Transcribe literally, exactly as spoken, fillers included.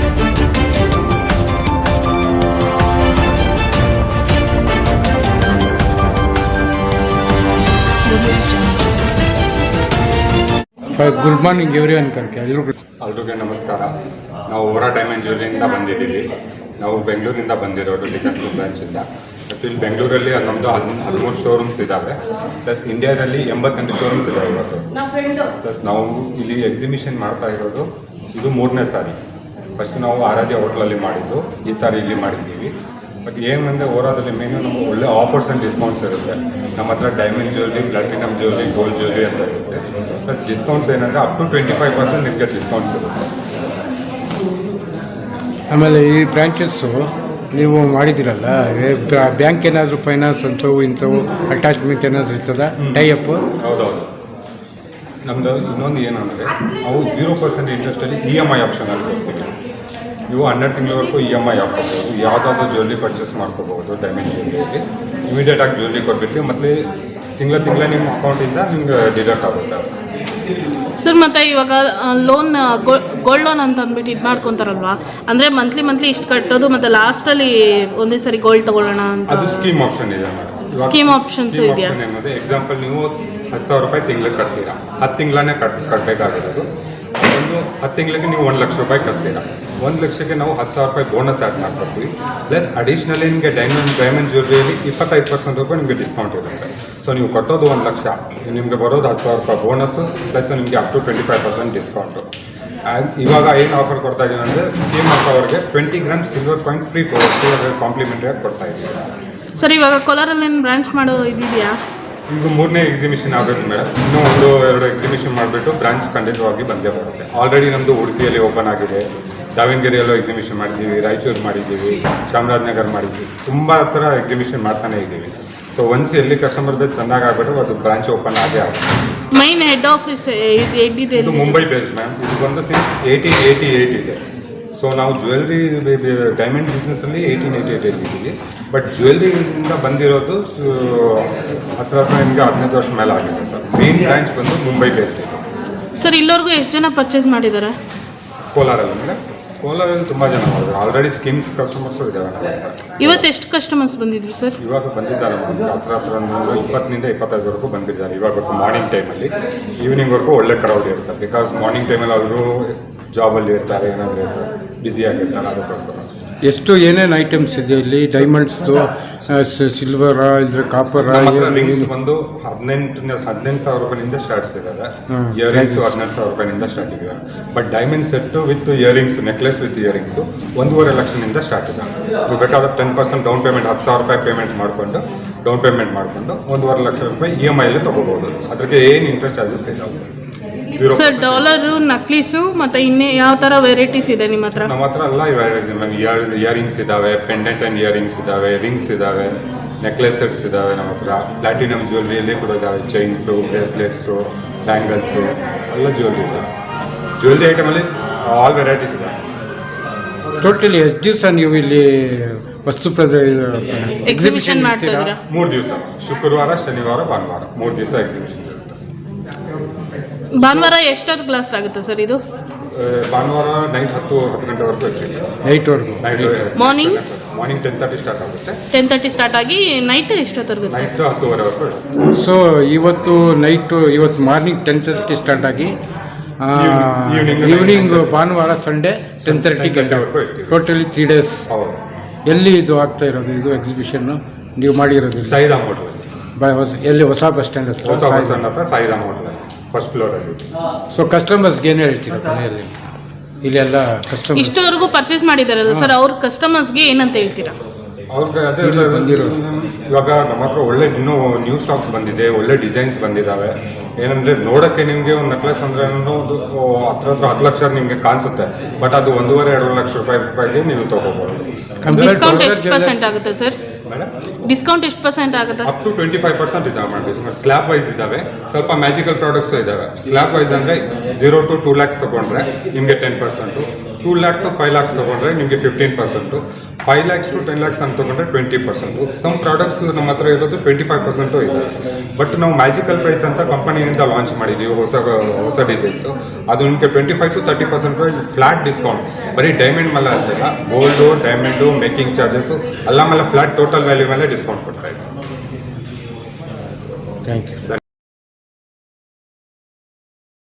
Good morning everyone ಕರ್ಕೆ ಎಲ್ರಿಗೂ ಎಲ್ರಿಗೂ ನಮಸ್ಕಾರ. ನಾವು ಓರಾ ಡೈಮಂಡ್ ಜ್ಯುವೆಲ್ಲರಿಯಿಂದ ಬಂದಿದ್ದೀವಿ. ನಾವು ಬೆಂಗಳೂರಿಂದ ಬಂದಿರೋದು ಟಿಕಟ್ಲು ಬ್ರಾಂಚಿಂದ. ಮತ್ತು ಇಲ್ಲಿ ಬೆಂಗಳೂರಲ್ಲಿ ನಮ್ಮದು ಹದ್ ಹದಿಮೂರು ಶೋರೂಮ್ಸ್ ಇದ್ದಾವೆ. ಪ್ಲಸ್ ಇಂಡಿಯಾದಲ್ಲಿ ಎಂಬತ್ತೆಂಟು ಶೋರೂಮ್ಸ್ ಇದ್ದಾವೆ ಇವತ್ತು. ಪ್ಲಸ್ ನಾವು ಇಲ್ಲಿ ಎಕ್ಸಿಬಿಷನ್ ಮಾಡ್ತಾ ಇರೋದು ಇದು ಮೂರನೇ ಸಾರಿ. ಫಸ್ಟ್ ನಾವು ಆರಾಧ್ಯ ಹೋಟ್ಲಲ್ಲಿ ಮಾಡಿದ್ದು, ಈ ಸಾರಿ ಇಲ್ಲಿ ಮಾಡಿದ್ದೀವಿ. ಬಟ್ ಏನಂದರೆ ಓರಾದಲ್ಲಿ ಮೇನು ನಮಗೆ ಒಳ್ಳೆ ಆಫರ್ಸ್ ಆ್ಯಂಡ್ ಡಿಸ್ಕೌಂಟ್ಸ್ ಇರುತ್ತೆ. ನಮ್ಮ ಹತ್ರ diamond jewellery, platinum jewellery, gold jewellery ಅಂತ ಇರುತ್ತೆ. ಪ್ಲಸ್ ಡಿಸ್ಕೌಂಟ್ಸ್ ಏನಂದರೆ up to twenty five percent ನಿಮಗೆ ಡಿಸ್ಕೌಂಟ್ಸ್ ಇರುತ್ತೆ. ಆಮೇಲೆ ಈ ಬ್ರಾಂಚಸ್ಸು ನೀವು ಮಾಡಿದ್ದೀರಲ್ಲ, ಬ್ಯಾಂಕ್ ಏನಾದರೂ ಫೈನಾನ್ಸ್ ಅಂಥವು ಇಂಥವು ಅಟ್ಯಾಚ್ಮೆಂಟ್ ಏನಾದರೂ ಇರ್ತದ ಟೈ ಅಪ್? ಹೌದೌದು. ನಮ್ಮದು ಇನ್ನೊಂದು ಏನಂದರೆ ಅವು ಜೀರೋ ಪರ್ಸೆಂಟ್ ಇಂಟ್ರೆಸ್ಟಲ್ಲಿ ಇ ಎಮ್ ಐ ಆಪ್ಷನಲ್ಲಿ ಕೊಡ್ತೀವಿ. ನೀವು ಹನ್ನೆರಡು ತಿಂಗಳವರೆಗೂ ಇ ಎಮ್ ಐ ಹಾಕ್ಕೋಬೋದು. ಯಾವುದಾದ್ರೂ ಜ್ಯುವೆಲ್ರಿ ಪರ್ಚೇಸ್ ಮಾಡ್ಕೋಬೋದು. ಡೈಮಂಡ್ ಜ್ಯುವೆಲ್ಲರಿಯಲ್ಲಿ ಇಮಿಡಿಯೇಟಾಗಿ ಜ್ಯುವೆಲ್ರಿ ಕೊಟ್ಬಿಟ್ಟು ಮತ್ತು ತಿಂಗಳ ತಿಂಗಳ ನಿಮ್ಮ ಅಕೌಂಟಿಂದ ನಿಮ್ಗೆ ಡಿಡಕ್ಟ್ ಆಗುತ್ತೆ ಸರ್. ಮತ್ತು ಇವಾಗ ಲೋನ್ ಗೋಲ್ಡ್ ಲೋನ್ ಅಂತ ಅಂದ್ಬಿಟ್ಟು ಇದು ಮಾಡ್ಕೊತಾರಲ್ವಾ, ಅಂದರೆ ಮಂತ್ಲಿ ಮಂತ್ಲಿ ಇಷ್ಟು ಕಟ್ಟೋದು ಮತ್ತು ಲಾಸ್ಟಲ್ಲಿ ಒಂದೇ ಸರಿ ಗೋಲ್ಡ್ ತೊಗೊಳ್ಳೋಣ ಅಂತ ಅದು ಸ್ಕೀಮ್ ಆಪ್ಷನ್ ಇದೆ ಮೇಡಮ್. ಸ್ಕೀಮ್ ಆಪ್ಷನ್ಸ್ ಇದೆಯಾ? ಏನಂದರೆ ಎಕ್ಸಾಂಪಲ್ ನೀವು ಹತ್ತು ಸಾವಿರ ರೂಪಾಯಿ ತಿಂಗಳಿಗೆ ಕಟ್ತೀರಾ, ಹತ್ತು ತಿಂಗಳನ್ನೇ ಕಟ್ ಕಟ್ಟಬೇಕಾಗಿರೋದು. ಒಂದು ಹತ್ತು ತಿಂಗಳಿಗೆ ನೀವು ಒಂದು ಲಕ್ಷ ರೂಪಾಯಿ ಕಟ್ತೀರಾ. ಒಂದು ಲಕ್ಷಕ್ಕೆ ನಾವು ಹತ್ತು ಸಾವಿರ ರೂಪಾಯಿ ಬೋನಸ್ ಆ್ಯಡ್ ಮಾಡ್ಕೊಡ್ತೀವಿ. ಪ್ಲಸ್ ಅಡಿಷ್ನಲಿ ನಿಮಗೆ ಡೈಮಂಡ್ ಡೈಮಂಡ್ ಜ್ಯುವೆಲ್ಲರಿಯಲ್ಲಿ ಇಪ್ಪತ್ತೈದು ಪರ್ಸೆಂಟ್ ರೂಪಾಯಿ ನಿಮಗೆ ಡಿಸ್ಕೌಂಟ್ ಇರುತ್ತೆ. ಸೊ ನೀವು ಕಟ್ಟೋದು ಒಂದು ಲಕ್ಷ, ನಿಮಗೆ ಬರೋದು ಹತ್ತು ಸಾವಿರ ರೂಪಾಯಿ ಬೋನಸ್ಸು, ಪ್ಲಸ್ ನಿಮಗೆ up to twenty five percent discount. And ಇವಾಗ ಏನು ಆಫರ್ ಕೊಡ್ತಾ ಇದ್ದೀವಿ ಅಂದರೆ ಸ್ಕೀಮ್ ಅವ್ರಿಗೆ twenty gram silver coin free ಕಾಂಪ್ಲಿಮೆಂಟ್ರಿಯಾಗಿ ಕೊಡ್ತಾ ಇದ್ದೀವಿ. ಸರ್, ಇವಾಗ ಕೋಲಾರಲ್ಲಿ ಏನು ಬ್ರಾಂಚ್ ಮಾಡೋ ಇದೆಯಾ? ಈಗ ಮೂರನೇ ಎಕ್ಸಿಬಿಷನ್ ಆಗಬೇಕು ಮೇಡಮ್. ಇನ್ನೂ ಒಂದು ಎರಡು ಎಕ್ಸಿಬಿಷನ್ ಮಾಡಿಬಿಟ್ಟು ಬ್ರಾಂಚ್ ಖಂಡಿತವಾಗಿ ಬಂದೇ ಬರುತ್ತೆ. ಆಲ್ರೆಡಿ ನಮ್ಮದು ಉಡುಪಿಯಲ್ಲಿ ಓಪನ್ ಆಗಿದೆ, ದಾವಣಗೆರೆಯಲ್ಲೂ ಎಕ್ಸಿಬಿಷನ್ ಮಾಡಿದ್ದೀವಿ, ರಾಯಚೂರು ಮಾಡಿದ್ದೀವಿ, ಚಾಮರಾಜನಗರ ಮಾಡಿದ್ದೀವಿ. ತುಂಬ ಥರ ಎಕ್ಸಿಬಿಷನ್ ಮಾಡ್ತಾನೆ ಇದ್ದೀವಿ. ಸೊ ಒನ್ಸ್ ಎಲ್ಲಿ ಕಸ್ಟಮರ್ ಬೇಸ್ ಚೆನ್ನಾಗಿ ಆಗ್ಬಿಟ್ಟು ಅದು ಬ್ರಾಂಚ್ ಓಪನ್ ಆಗೇ ಆಗುತ್ತೆ. ಮೈನ್ ಹೆಡ್ ಆಫೀಸ್ ಎಲ್ಲಿದೆ? ಇದು ಮುಂಬೈ ಬೇಸ್ಡ್ ಮ್ಯಾಮ್. ಇದು ಬಂದು ಸಿನ್ಸ್ ಏಯ್ಟೀನ್ ಏಯ್ಟಿ ಏಯ್ಟ್ ಇದೆ. ಸೊ ನಾವು ಜ್ಯುವೆಲ್ರಿ ಡೈಮಂಡ್ ಬಿಸ್ನೆಸ್ಸಲ್ಲಿ ಏಯ್ಟೀನ್ ಏಯ್ಟಿ ಏಯ್ಟ್ ಇದ್ದೀವಿ. ಬಟ್ ಜ್ಯುವೆಲ್ರಿಯಿಂದ ಬಂದಿರೋದು ಹತ್ರ ಹತ್ರ ನಿಮಗೆ ಹದಿನೈದು ವರ್ಷ ಮೇಲೆ ಆಗಿದೆ ಸರ್. ಮೇನ್ ಬ್ರಾಂಚ್ ಬಂದು ಮುಂಬೈ ಬೇಸ್ಡ್ ಇದೆ ಸರ್. ಇಲ್ಲವರೆಗೂ ಎಷ್ಟು ಜನ ಪರ್ಚೇಸ್ ಮಾಡಿದ್ದಾರೆ ಕೋಲಾರಲ್ಲಿ? ಮೇಡಮ್ ಕೋಲಾರಲ್ಲಿ ತುಂಬ ಜನ ಮಾಡಿದ್ರು. ಆಲ್ರೆಡಿ ಸ್ಕೀಮ್ಸ್ ಕಸ್ಟಮರ್ಸು ಇದ್ದಾವೆ. ಇವತ್ತು ಎಷ್ಟು ಕಸ್ಟಮರ್ಸ್ ಬಂದಿದ್ರು ಸರ್? ಇವಾಗ ಬಂದಿದ್ದಾರೆ ಮೇಡಮ್. ಹತ್ರ ಹತ್ರ ಒಂದು ಇಪ್ಪತ್ತರಿಂದ ಇಪ್ಪತ್ತೈದವರೆಗೂ ಬಂದಿದ್ದಾರೆ. ಇವಾಗ ಮಾರ್ನಿಂಗ್ ಟೈಮಲ್ಲಿ, ಈವ್ನಿಂಗ್ವರೆಗೂ ಒಳ್ಳೆ ಕ್ರೌಡ್ ಇರುತ್ತೆ. ಬಿಕಾಸ್ ಮಾರ್ನಿಂಗ್ ಟೈಮಲ್ಲಿ ಅವರು ಜಾಬಲ್ಲಿ ಇರ್ತಾರೆ, ಏನಾದರೂ ಇರ್ತಾರೆ, ಬ್ಯುಸಿಯಾಗಿರ್ತಾರೆ. ಅದಕ್ಕೋಸ್ಕರ ಎಷ್ಟು ಏನೇನು ಐಟಮ್ಸ್ ಇದೆ ಇಲ್ಲಿ? ಡೈಮಂಡ್ಸ್ದು, ಸಿಲ್ವರ, ಇದ್ರೆ ಕಾಪರ್, ರಿಂಗ್ಸ್ ಬಂದು ಹದಿನೆಂಟು ಹದಿನೆಂಟು ಸಾವಿರ ರೂಪಾಯಿಂದ ಸ್ಟಾರ್ಟ್ಸ್ ಇದ್ದಾವೆ. ಇಯರಿಂಗ್ಸ್ ಹದಿನೆಂಟು ಸಾವಿರ ರೂಪಾಯಿಂದ ಸ್ಟಾರ್ಟ್ ಇದೆ. But diamond set with earrings, necklace with earrings ಒಂದೂವರೆ ಲಕ್ಷದಿಂದ ಸ್ಟಾರ್ಟ್ ಇದೆ. ನೀವು ಬೇಕಾದ್ರೆ ಟೆನ್ ಪರ್ಸೆಂಟ್ ಡೌನ್ ಪೇಮೆಂಟ್, ಹತ್ತು ಸಾವಿರ ರೂಪಾಯಿ ಪೇಮೆಂಟ್ ಮಾಡಿಕೊಂಡು ಡೌನ್ ಪೇಮೆಂಟ್ ಮಾಡಿಕೊಂಡು ಒಂದೂವರೆ ಲಕ್ಷ ರೂಪಾಯಿ ಇ ಎಮ್ ಐಲಿ ತೊಗೋಬೋದು. ಅದಕ್ಕೆ ಏನು ಇಂಟ್ರೆಸ್ಟ್ ಚಾರ್ಜಸ್ ಇದಾವೆ ಸರ್? ಡಾಲರು, ನಕ್ಲೀಸು ಮತ್ತು ಇನ್ನೇ ಯಾವ ಥರ ವೆರೈಟೀಸ್ ಇದೆ ನಿಮ್ಮ ಹತ್ರ? ನಮ್ಮ ಹತ್ರ ಎಲ್ಲ ಮ್ಯಾಮ್. ಇಯರ್ ಇಯರಿಂಗ್ಸ್ ಇದ್ದಾವೆ, ಪೆಂಡೆಂಟ್ ಆ್ಯಂಡ್ ಇಯರಿಂಗ್ಸ್ ಇದ್ದಾವೆ, ರಿಂಗ್ಸ್ ಇದ್ದಾವೆ, ನೆಕ್ಲೆಸ್ ಸೆಟ್ಸ್ ಇದ್ದಾವೆ ನಮ್ಮ ಹತ್ರ. ಪ್ಲಾಟಿನಮ್ ಜ್ಯುವೆಲ್ರಿಯಲ್ಲಿ ಕೂಡ ಇದ್ದಾವೆ, ಚೈನ್ಸು, ಬ್ರೇಸ್ಲೆಟ್ಸು, ಬ್ಯಾಂಗಲ್ಸು, ಎಲ್ಲ ಜ್ಯುವೆಲ್ರಿ ಇದ್ದಾವೆ. ಜ್ಯುವೆಲ್ರಿ ಐಟಮಲ್ಲಿ ಆಲ್ ವೆರೈಟೀಸ್ ಇದ್ದಾವೆ. ಟೋಟಲಿ ಎಷ್ಟು ದಿವಸ ನೀವು ಇಲ್ಲಿ ವಸ್ತು ಎಕ್ಸಿಬಿಷನ್ ಮಾಡ್ತಿದ್ದೀರಾ? ಮೂರು ದಿವಸ, ಶುಕ್ರವಾರ, ಶನಿವಾರ, ಭಾನುವಾರ, ಮೂರು ದಿವಸ ಎಕ್ಸಿಬಿಷನ್ ಇರುತ್ತೆ. ಭಾನುವಾರ ಎಷ್ಟೊತ್ತು ಕ್ಲಾಸ್ ಆಗುತ್ತೆ ಸರ್ ಇದು? ಭಾನುವಾರ ನೈಟ್ ಹತ್ತು ಹತ್ತು ಗಂಟೆವರೆಗೂ ಇರ್ತೀವಿ. ನೈಟ್ವರೆಗೂ? Morning morning ten thirty start ಆಗುತ್ತೆ. ಟೆನ್ ತರ್ಟಿ ಸ್ಟಾರ್ಟ್ ಆಗಿ ನೈಟ್ ಎಷ್ಟೊತ್ತವರೆಗೂ? ನೈಟ್ ಹತ್ತುವರೆವರೆಗೂ. ಸೊ ಇವತ್ತು ನೈಟು, ಇವತ್ತು ಮಾರ್ನಿಂಗ್ ಟೆನ್ ತರ್ಟಿ ಸ್ಟಾರ್ಟ್ ಆಗಿ ಈವ್ನಿಂಗ್ ಭಾನುವಾರ ಸಂಡೇ ಟೆನ್ ತರ್ಟಿ ಗಂಟೆವರೆಗೂ ಇರ್ತೀವಿ. Totally three days. ಹೌದು. ಎಲ್ಲಿ ಇದು ಆಗ್ತಾ ಇರೋದು ಇದು ಎಕ್ಸಿಬಿಷನ್ನು ನೀವು ಮಾಡಿರೋದು? ಸಾಯಿರಾಮ್ ಹೋಟೆಲ್. ಬೈ ಹೊಸ ಎಲ್ಲಿ? ಹೊಸ ಬಸ್ ಸ್ಟ್ಯಾಂಡ್ ಹತ್ರ? ಹೊಸ ಬಸ್ ಸ್ಟ್ಯಾಂಡ್ ಹತ್ರ ಸಾಯಿರಾಮ್ ಹೋಟೆಲ್, ಫಸ್ಟ್ ಫ್ಲೋರಲ್ಲಿ. ಸೊ ಕಸ್ಟಮರ್ಸ್ಗೆ ಏನು ಹೇಳ್ತೀರಾ ಕೊನೆಯಲ್ಲಿ? ಇಲ್ಲೆಲ್ಲ ಕಸ್ಟಮರ್ ಇಷ್ಟವರೆಗೂ ಪರ್ಚೇಸ್ ಮಾಡಿದಾರಲ್ಲ ಸರ್, ಅವ್ರ ಕಸ್ಟಮರ್ಸ್ಗೆ ಏನಂತ ಹೇಳ್ತೀರಾ? ಅವ್ರಿಗೆ ಅದೇ ಬಂದಿರೋದು ಇವಾಗ ನಮ್ಮ ಹತ್ರ ಒಳ್ಳೆ ಇನ್ನೂ ನ್ಯೂ ಸ್ಟಾಕ್ಸ್ ಬಂದಿದೆ, ಒಳ್ಳೆ ಡಿಸೈನ್ಸ್ ಬಂದಿದ್ದಾವೆ. ಏನಂದರೆ ನೋಡೋಕ್ಕೆ ನಿಮಗೆ ಒಂದು ನೆಕ್ಲೆಸ್ ಅಂದರೆ ಒಂದು ಹತ್ರ ಹತ್ರ ಹತ್ತು ಲಕ್ಷ ನಿಮಗೆ ಕಾಣಿಸುತ್ತೆ. ಬಟ್ ಅದು ಒಂದೂವರೆ ಎರಡು ಲಕ್ಷ ರೂಪಾಯಿ ರೂಪಾಯಿಗೆ ನೀವು ತೊಗೋಬೋದು. ಡಿಸ್ಕೌಂಟ್ ಎಷ್ಟು ಪರ್ಸೆಂಟ್ ಆಗುತ್ತೆ ಸರ್? ಡಿಸ್ಕೌಂಟ್ ಎಷ್ಟು ಪರ್ಸೆಂಟ್ ಆಗುತ್ತೆ? Up to twenty five percent ಇದ್ದಾವೆ ಮೇಡಮ್. ಸ್ಲ್ಯಾಬ್ ವೈಸ್ ಇದ್ದಾವೆ, ಸ್ವಲ್ಪ ಮ್ಯಾಜಿಕಲ್ ಪ್ರಾಡಕ್ಟ್ಸು ಇದ್ದಾವೆ. ಸ್ಲ್ಯಾಬ್ ವೈಸ್ ಅಂದರೆ ಜೀರೋ ಟು ಟೂ ಲ್ಯಾಕ್ಸ್ ತೊಗೊಂಡ್ರೆ ನಿಮಗೆ ten percent, two lakh to five lakhs ತೊಗೊಂಡ್ರೆ ನಿಮಗೆ fifteen percent, five lakhs to ten lakhs ಅಂತ ತೊಗೊಂಡ್ರೆ ಟ್ವೆಂಟಿ ಪರ್ಸೆಂಟು ಸಮ್ ಪ್ರಾಡಕ್ಟ್ಸ್ ನಮ್ಮ ಹತ್ರ ಇರೋದು ಟ್ವೆಂಟಿ ಫೈವ್ ಪರ್ಸೆಂಟು ಇದೆ. ಬಟ್ ನಾವು ಮ್ಯಾಜಿಕಲ್ ಪ್ರೈಸ್ ಅಂತ ಕಂಪನಿಯಿಂದ ಲಾಂಚ್ ಮಾಡಿದ್ದೀವಿ ಹೊಸ ಹೊಸ ಡಿಸೈನ್ಸು. ಅದು ನಿಮಗೆ twenty five to thirty percent flat discount. ಬರೀ ಡೈಮಂಡ್ ಮೇಲೆ ಅಂತಿಲ್ಲ, ಗೋಲ್ಡು, ಡೈಮಂಡು, ಮೇಕಿಂಗ್ ಚಾರ್ಜಸ್ಸು ಎಲ್ಲ ಮೇಲೆ ಫ್ಲಾಟ್ ಟೋಟಲ್ ವ್ಯಾಲ್ಯೂ ಮೇಲೆ ಡಿಸ್ಕೌಂಟ್ ಕೊಡ್ತಾ ಇದ್ದೀವಿ. Thank you.